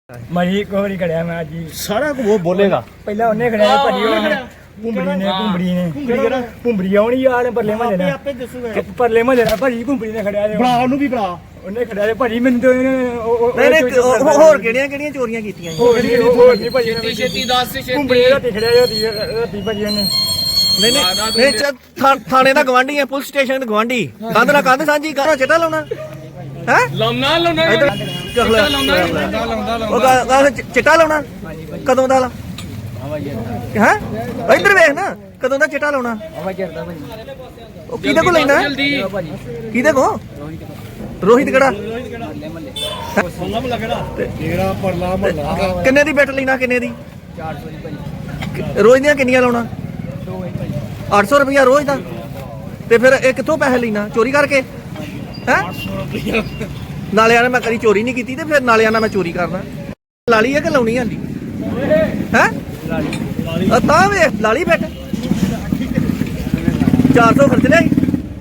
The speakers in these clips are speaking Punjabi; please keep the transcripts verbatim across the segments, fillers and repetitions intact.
ਮਰੀ ਕੋਰੀ ਖੜਿਆ ਮੈਂ ਜੀ ਸਾਰਾ ਕੁਝ ਉਹ ਬੋਲੇਗਾ। ਪਹਿਲਾਂ ਉਹਨੇ ਖੜਿਆ ਭਰੀ ਉਹਨੇ ਭੁੰਬੜੀ ਨੇ ਭੁੰਬੜੀ ਨੇ ਭੁੰਬੜੀ ਆਉਣੀ ਯਾਰ ਪਰਲੇ ਮਹੱਲੇ ਦਾ ਆਪੇ ਦੱਸੂਗਾ ਪਰਲੇ ਮਹੱਲੇ ਦਾ ਭਰੀ ਭੁੰਬੜੀ ਨੇ ਖੜਿਆ ਬਣਾ ਉਹਨੂੰ ਵੀ ਬਣਾ। ਉਹਨੇ ਖੜਿਆ ਤੇ ਭਰੀ ਮੈਨੂੰ ਤੇ ਨਹੀਂ ਨਹੀਂ ਹੋਰ ਕਿਹੜੀਆਂ ਕਿਹੜੀਆਂ ਚੋਰੀਆਂ ਕੀਤੀਆਂ ਜੀ? ਹੋਰ ਨਹੀਂ ਭਰੀ ਛੇਤੀ ਛੇਤੀ ਦੱਸ ਛੇਤੀ ਭੁੰਬੜੀ ਰਾਤੀ ਖੜਿਆ ਰਾਤੀ ਰਾਤੀ ਭਰੀ ਉਹਨੇ ਨਹੀਂ ਨਹੀਂ ਨਹੀਂ ਚ ਥਾ- ਥਾਣੇ ਦਾ ਗਵਾਂਢੀ ਹੈ, ਪੁਲਿਸ ਸਟੇਸ਼ਨ ਦਾ ਗਵਾਂਢੀ। ਕੰਧ ਨਾਲ ਕੰਧ ਸਾਂਝੀ ਕਰੋ, ਚਿੱਟਾ ਲਾਉਣਾ ਹੈ? ਲਾਉਣਾ ਲਾਉਣਾ ਇੱਧਰ ਕਰ ਲੈ। ਉਹ ਗਾ- ਗਾ- ਚ- ਚਿੱਟਾ ਲਾਉਣਾ ਕਦੋਂ ਦਾ ਲਾ ਹੈ? ਇੱਧਰ ਵੇਖ ਨਾ, ਕਦੋਂ ਦਾ ਚਿੱਟਾ ਲਾਉਣਾ? ਉਹ ਕਿਹਦੇ ਕੋਲ ਲੈਣਾ? ਜਲਦੀ ਕਿਹਦੇ ਕੋਲ? ਰੋਹਿਤ ਕਿਹੜਾ? ਜਿਹੜਾ ਪਰਲਾ ਮਹੱਲਾ ਕਿੰਨੇ ਦੀ ਬੈਟ ਲੈਣਾ? ਕਿੰਨੇ ਦੀ? ਰੋਜ਼ ਦੀਆਂ ਕਿੰਨੀਆਂ ਲਾਉਣਾ? ਅੱਠ ਸੌ ਰੁਪਇਆ ਰੋਜ਼ ਦਾ। ਤੇ ਫਿਰ ਇਹ ਕਿੱਥੋਂ ਪੈਸੇ ਲੈਣਾ? ਚੋਰੀ ਕਰਕੇ ਹੈ? ਨਾਲੇ ਆਣਾ ਮੈਂ ਕਦੀ ਚੋਰੀ ਨਹੀਂ ਕੀਤੀ ਤੇ ਫਿਰ ਨਾਲੇ ਆਣਾ ਮੈਂ ਚੋਰੀ ਕਰਨਾ। ਲਾਲੀ ਹੈ ਕਿ ਲਾਉਣੀ ਹੈ? ਹੈ ਤਾਂ ਵੇ ਲਾਲੀ ਬੈਠ ਚਾਰ ਸੌ ਖਰਚ ਲਿਆ।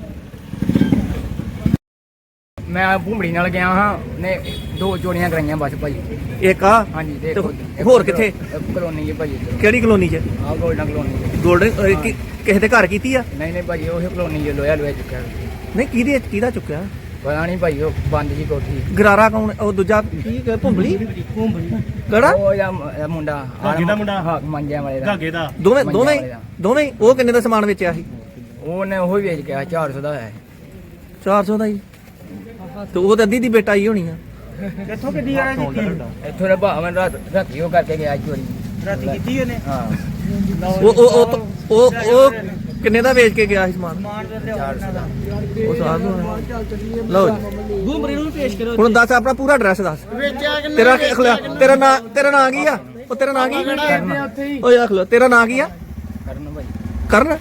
ਮੈਂ ਭੁੰਬੜੀ ਨਾਲ ਗਿਆ ਹਾਂ ਨੇ ਦੋ ਚੋਰੀਆਂ ਕਰਾਈਆਂ ਬਸ ਭਾਈ। ਇੱਕ ਆ ਹਾਂਜੀ ਤੇ ਤੇ ਹੋਰ ਕਿੱਥੇ? ਕਲੋਨੀ ਹੈ ਭਾਈ ਕਿਹੜੀ ਕਲੋਨੀ 'ਚ? ਆਹ ਗੋਲਡਨ ਕਲੋਨੀ ਗੋਲਡਨ ਕਿਸੇ ਦੇ ਘਰ ਕੀਤੀ ਆ? ਨਹੀਂ ਨਹੀਂ ਭਾਈ ਉਹ ਕਲੋਨੀ ਜੋ ਲੋਇਆ ਲੋਇਆ ਚੁੱਕਿਆ ਨਹੀਂ ਕਿਹਦੇ ਕਿਹਦਾ ਚੁੱਕਿਆ? ਪਤਾ ਨਹੀਂ ਭਾਈ ਉਹ ਬੰਦ ਜੀ ਕੋਠੀ ਗਰਾਰਾ ਕੌਣ? ਉਹ ਦੂਜਾ ਕੀ ਭੁੰਬਲੀ ਕਿਹੜਾ? ਉਹ ਜਾਂ ਮੁੰਡਾ ਧਾਗੇ ਦਾ ਮੁੰਡਾ? ਹਾਂ ਮੰਜਿਆਂ ਵਾਲੇ ਦਾ ਧਾਗੇ ਦਾ ਦੋਵੇਂ ਦੋਵੇਂ ਦੋਵੇਂ ਉਹ ਕਿੰਨੇ ਦਾ ਸਮਾਨ ਵੇਚਿਆ ਸੀ? ਉਹਨੇ ਉਹ ਵੇਚ ਗਿਆ ਚਾਰ ਸੌ ਦਾ ਹੈ। ਚਾਰ ਸੌ ਦਾ ਹੀ। ਤੇ ਉਹ ਤਾਂ ਅੱਧੀ ਦੀ ਬੇਟਾ ਹੀ ਹੋਣੀ ਆ। ਕਿੱਥੋਂ ਕਿੱਡੀ ਆ ਰਹੀ ਇੱਥੋਂ ਦੇ ਭਾਵੇਂ ਰਾਤ ਰਾਤੀ ਉਹ ਕਰਕੇ ਗਿਆ ਚੋਰੀ ਰਾਤੀ ਕੀਤੀ ਉਹਨੇ? ਹਾਂ ਉਹ ਉਹ ਉਹ ਉਹ ਉਹ ਕਿੰਨੇ ਦਾ ਵੇਚ ਕੇ ਗਿਆ ਸੀ ਸਮਾਨ? ਚਾਰ ਸੌ ਦਾ ਉਹ ਸਾਹ ਲਓ ਗੁੰਮਰੇ ਨੂੰ ਪੇਸ਼ ਕਰੋ। ਹੁਣ ਦੱਸ ਆਪਣਾ ਪੂਰਾ ਐਡਰੈਸ ਦੱਸ। ਤੇਰਾ ਕੀ ਅਖਲਿਆ? ਤੇਰਾ ਨਾਂ ਤੇਰਾ ਨਾਂ ਕੀ ਆ? ਉਹ ਤੇਰਾ ਨਾਂ ਕੀ? ਓਏ ਅਖਲੋ ਤੇਰਾ ਨਾਂ ਕੀ ਆ? ਕਰਨ ਭਾਈ ਕਰਨ।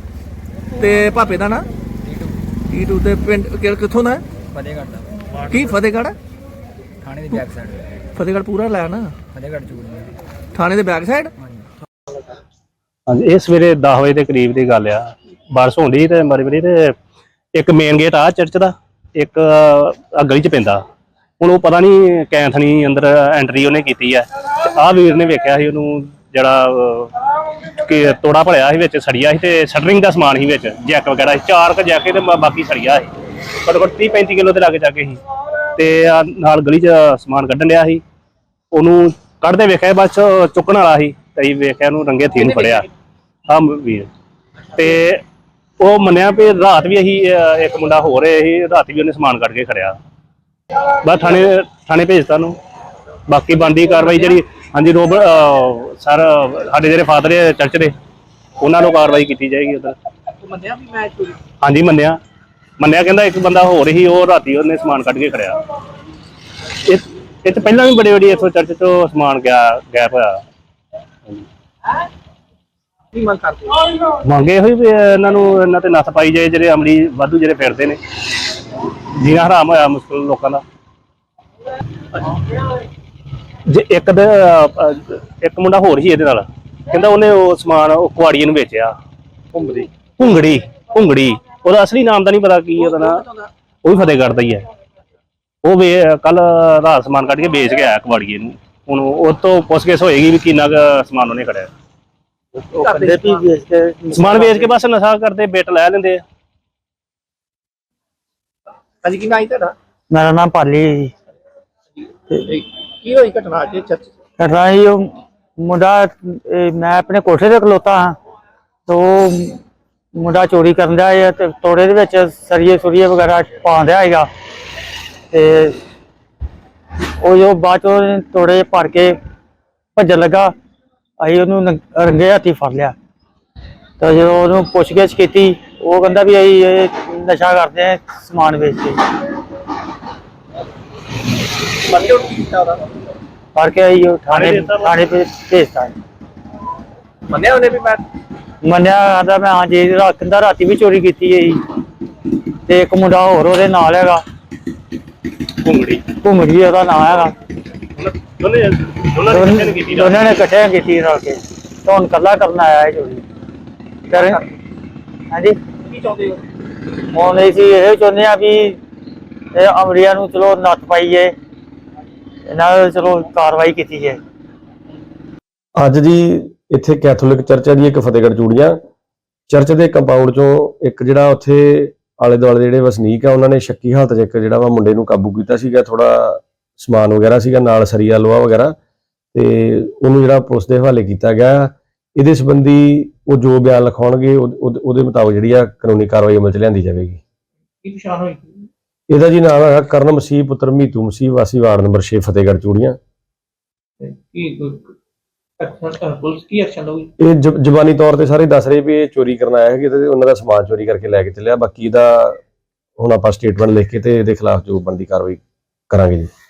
ਤੇ ਭਾਪੇ ਦਾ ਨਾਂ? ਟੀਟੂ। ਤੇ ਪਿੰਡ ਕਿ- ਕਿੱਥੋਂ ਦਾ? ਫਤਿਹਗੜ੍ਹ ਦਾ ਕੀ ਫਤਿਹਗੜ੍ਹ? ਥਾਣੇ ਦੀ ਬੈਕ ਸਾਈਡ ਫਤਿਹਗੜ੍ਹ ਪੂਰਾ ਲੈ ਨਾ। ਫਤਿਹਗੜ੍ਹ ਚੂੜ ਥਾਣੇ ਦੇ ਬੈਕ ਸਾਈਡ। ਹਾਂਜੀ ਇਹ ਸਵੇਰੇ ਦਸ ਵਜੇ ਦੇ ਕਰੀਬ ਦੀ ਗੱਲ ਆ। ਬਾਰਿਸ਼ ਹੁੰਦੀ ਤੇ ਮਰੀ ਮਰੀ ਤੇ ਇੱਕ ਮੇਨ ਗੇਟ ਆ ਚਰਚ ਦਾ, ਇੱਕ ਆ ਗਲੀ ਚ ਪੈਂਦਾ। ਹੁਣ ਉਹ ਪਤਾ ਨਹੀਂ ਕੈਂਥਣੀ ਅੰਦਰ ਐਂਟਰੀ ਉਹਨੇ ਕੀਤੀ ਆ। ਆਹ ਵੀਰ ਨੇ ਵੇਖਿਆ ਸੀ ਉਹਨੂੰ ਜਿਹੜਾ ਕਿ ਤੋੜਾ ਭਲਿਆ ਸੀ, ਵਿੱਚ ਸੜੀਆ ਸੀ ਤੇ ਸ਼ਟਰਿੰਗ ਦਾ ਸਮਾਨ ਸੀ, ਵਿੱਚ ਜੈਕ ਵਗੈਰਾ ਸੀ, ਚਾਰ ਕ ਜੈਕੇ ਤੇ ਬਾਕੀ ਸੜੀਆ ਸੀ। ਘੱਟੋ ਘੱਟ ਤੀਹ ਪੈਂਤੀ ਕਿਲੋ ਦੇ ਲਾਗੇ ਜਾ ਕੇ ਸੀ। ਤੇ ਆ ਨਾਲ ਗਲੀ ਚ ਸਮਾਨ ਕੱਢਣ ਡਿਆ ਸੀ। ਉਹਨੂੰ ਕੱਢਦੇ ਵੇਖਿਆ ਬਸ ਚੁੱਕਣ ਵਾਲਾ ਸੀ ਤੇ ਵੇਖਿਆ ਉਹਨੂੰ ਰੰਗੇ ਹੱਥੀਂ ਨੂੰ ਫੜਿਆ ਆ ਵੀਰ। ਤੇ ਉਹ ਮੰਨਿਆ ਵੀ ਰਾਤ ਵੀ ਅਸੀਂ ਇੱਕ ਮੁੰਡਾ ਹੋ ਰਿਹਾ ਸੀ, ਰਾਤ ਵੀ ਉਹਨੇ ਸਮਾਨ ਕੱਢ ਕੇ ਖੜਿਆ। ਬਸ ਥਾਣੇ ਥਾਣੇ ਭੇਜਤਾ ਨੂੰ। ਬਾਕੀ ਬਣਦੀ ਕਾਰਵਾਈ ਜਿਹੜੀ ਹਾਂਜੀ ਰੋਬ ਸਰ ਸਾਡੇ ਜਿਹੜੇ ਫਾਦਰ ਹੈ ਚਰਚ ਦੇ, ਉਹਨਾਂ ਨੂੰ ਕਾਰਵਾਈ ਕੀਤੀ ਜਾਏਗੀ। ਉਧਰ ਹਾਂਜੀ ਮੰਨਿਆ ਮੰਨਿਆ ਕਹਿੰਦਾ ਇੱਕ ਬੰਦਾ ਹੋ ਰਹੀ ਉਹ ਰਾਤੀ ਉਹਨੇ ਸਮਾਨ ਕੱਢ ਕੇ ਖੜਿਆ। ਇਹ ਇਹ ਤੋਂ ਪਹਿਲਾਂ ਵੀ ਬੜੇ ਬੜੀ ਇੱਥੋਂ ਚਰਚ ਤੋਂ ਸਮਾਨ ਗਿਆ ਗੈਪ ਹੋਇਆ। ਮੰਗੇ ਹੋਈ ਵੀ ਇਹਨਾਂ ਨੂੰ ਇਹਨਾਂ ਤੇ ਨੱਥ ਪਾਈ ਜਾਏ, ਜਿਹੜੇ ਅਮਲੀ ਵਾਧੂ ਜਿਹੜੇ ਫਿਰਦੇ ਨੇ। ਜੀਣਾ ਹਰਾਮ ਹੋਇਆ ਮੁਸ਼ਕਿਲ ਲੋਕਾਂ ਦਾ। ਜੇ ਇੱਕ ਦੇ ਇੱਕ ਮੁੰਡਾ ਹੋਰ ਸੀ ਇਹਦੇ ਨਾਲ, ਕਹਿੰਦਾ ਉਹਨੇ ਉਹ ਸਮਾਨ ਉਹ ਕੁਆੜੀਏ ਨੂੰ ਵੇਚਿਆ। ਭੁੰਗੜੀ ਭੁੰਗੜੀ ਭੁੰਗੜੀ ਉਹਦਾ ਅਸਲੀ ਨਾਮ ਤਾਂ ਨਹੀਂ ਪਤਾ ਕੀ ਉਹਦਾ ਨਾਂ। ਉਹ ਵੀ ਫਤਿਹਗੜ੍ਹ ਦਾ ਹੀ ਹੈ। ਉਹ ਵੇ ਕੱਲ ਰਾਤ ਸਮਾਨ ਕੱਢ ਕੇ ਵੇਚ ਗਿਆ ਕੁਆੜੀਏ ਨੂੰ। ਹੁਣ ਉਹ ਤੋਂ ਪੁੱਛਗਿੱਛ ਹੋਏਗੀ ਵੀ ਕਿੰਨਾ ਕੁ ਸਮਾਨ ਉਹਨੇ ਖੜਿਆ। ਸਮਾਨ ਵੇਚ ਕੇ ਬਸ ਨਸ਼ਾ ਕਰਦੇ, ਬਿੱਟ ਲੈ ਲੈਂਦੇ ਆ। ਹਾਂਜੀ ਕੀ ਨਾਂ ਹੈ ਤੁਹਾਡਾ? ਮੇਰਾ ਨਾਮ ਪਾਲੀ ਹੈ ਜੀ। ਕੀ ਹੋਈ ਘਟਨਾ ਅੱਜ ਚਰਚ? ਘਟਨਾ ਜੀ ਉਹ ਮੁੰਡਾ ਇਹ ਮੈਂ ਆਪਣੇ ਕੋਠੇ ਤੇ ਖਲੋਤਾ ਹਾਂ ਤੇ ਉਹ ਮੁੰਡਾ ਚੋਰੀ ਕਰਨ ਡਿਆ ਹੈ ਤੇ ਤੋੜੇ ਦੇ ਵਿੱਚ ਸਰੀਏ ਸੁਰੀਏ ਵਗੈਰਾ ਪਾਉਣ ਡਿਆ ਹੈਗਾ। ਤੇ ਉਹ ਜੋ ਬਾਅਦ ਚੋਂ ਤੋੜੇ ਭਰ ਕੇ ਭੱਜਣ ਲੱਗਾ, ਅਸੀਂ ਉਹਨੂੰ ਨੰਗ- ਰੰਗੇ ਹੱਥੀਂ ਫੜ ਲਿਆ। ਤਾਂ ਜਦੋਂ ਉਹਨੂੰ ਪੁੱਛਗਿੱਛ ਕੀਤੀ, ਉਹ ਕਹਿੰਦਾ ਵੀ ਅਸੀਂ ਇਹ ਨਸ਼ਾ ਕਰਦੇ ਹਾਂ ਸਮਾਨ ਵੇਚ ਕੇ। ਫੜ ਕੇ ਅਸੀਂ ਉਹ ਥਾਣੇ ਥਾਣੇ ਤੇ ਭੇਜਤਾ। ਮੰਨਿਆ ਉਹਨੇ ਵੀ ਮੈਂ ਮੰਨਿਆ ਕਹਿੰਦਾ ਮੈਂ ਹਾਂ ਜੀ ਕਹਿੰਦਾ ਰਾਤੀ ਵੀ ਚੋਰੀ ਕੀਤੀ ਹੈ ਜੀ। ਤੇ ਇੱਕ ਮੁੰਡਾ ਹੋਰ ਉਹਦੇ ਨਾਲ ਹੈਗਾ, ਭੁੰਗੜੀ ਘੁੰਮੜੀ ਉਹਦਾ ਨਾਂ ਹੈਗਾ। ਦੋਨੇ ਦੋਨਾਂ ਨੇ ਇਕੱਠੇ ਕੀਤੀ ਰਾਤ। ਦੋਨਾਂ ਨੇ ਇਕੱਠੇ ਕੀਤੀ ਰਲ ਕੇ। ਤੇ ਹੁਣ ਇਕੱਲਾ ਕਰਨ ਆਇਆ ਹੈ ਚੋਰੀ ਕਰ। ਹਾਂਜੀ ਕੀ ਚਾਹੁੰਦੇ ਹੋ? ਹੁਣ ਅਸੀਂ ਇਹ ਚਾਹੁੰਦੇ ਆ ਵੀ ਇਹ ਅਮਰੀਆ ਨੂੰ ਚਲੋ ਨੱਥ ਪਾਈਏ ਇਹਨਾਂ ਦਾ ਚਲੋ ਕਾਰਵਾਈ ਕੀਤੀ ਜਾਏ। ਅੱਜ ਜੀ ਇੱਥੇ ਕੈਥੋਲਿਕ ਚਰਚ ਹੈ ਜੀ ਇੱਕ ਫਤਿਹਗੜ੍ਹ ਚੂੜੀਆਂ ਚਰਚ ਦੇ ਕੰਪਾਊਂਡ ਚੋਂ ਇੱਕ ਜਿਹੜਾ ਉੱਥੇ ਆਲੇ ਦੁਆਲੇ ਜਿਹੜੇ ਵਸਨੀਕ ਆ ਉਹਨਾਂ ਨੇ ਸ਼ੱਕੀ ਹਾਲਤ 'ਚ ਇੱਕ ਜਿਹੜਾ ਵਾ ਮੁੰਡੇ ਨੂੰ ਕਾਬੂ ਕੀਤਾ ਸੀਗਾ। ਥੋੜਾ ਸਮਾਨ ਵਗੈਰਾ ਸੀਗਾ ਨਾਲ ਸਰੀਆ ਲੋਹਾ ਵਗੈਰਾ, ਤੇ ਉਹਨੂੰ ਜਿਹੜਾ ਪੁਲਿਸ ਦੇ ਹਵਾਲੇ ਕੀਤਾ ਗਿਆ। ਇਹਦੇ ਸੰਬੰਧੀ ਉਹ ਜੋ ਬਿਆਨ ਲਿਖਾਉਣਗੇ ਉਹਦੇ ਮੁਤਾਬਕ ਜਿਹੜੀ ਆ ਕਾਨੂੰਨੀ ਕਾਰਵਾਈ ਅਮਲ 'ਚ ਲਿਆਂਦੀ ਜਾਵੇਗੀ। ਕੀ ਪਛਾਣ ਹੋਈ? ਇਹਦਾ ਜੀ ਨਾਮ ਹੈਗਾ ਕਰਨ ਮਸੀਹ ਪੁੱਤਰ ਮੀਤੂ ਮਸੀਹ ਵਾਸੀ ਵਾਰਡ ਨੰਬਰ ਛੇ ਫਤਿਹਗੜ੍ਹ ਚੂੜੀਆਂ। ਕੀ ਪੁਲਿਸ ਕੀ ਐਕਸ਼ਨ ਲਊਗੀ? ਇਹ ਜ- ਜ਼ਬਾਨੀ ਤੌਰ ਤੇ ਸਾਰੇ ਦੱਸ ਰਹੇ ਵੀ ਇਹ ਚੋਰੀ ਕਰਨ ਆਇਆ ਹੈ ਤੇ ਉਹਨਾਂ ਦਾ ਸਮਾਨ ਚੋਰੀ ਕਰਕੇ ਲੈ ਕੇ ਚੱਲਿਆ। ਬਾਕੀ ਇਹਦਾ ਹੁਣ ਆਪਾਂ ਸਟੇਟਮੈਂਟ ਲਿਖ ਕੇ ਤੇ ਇਹਦੇ ਖਿਲਾਫ ਜੋ ਬਣਦੀ ਕਾਰਵਾਈ ਕਰਾਂਗੇ ਜੀ।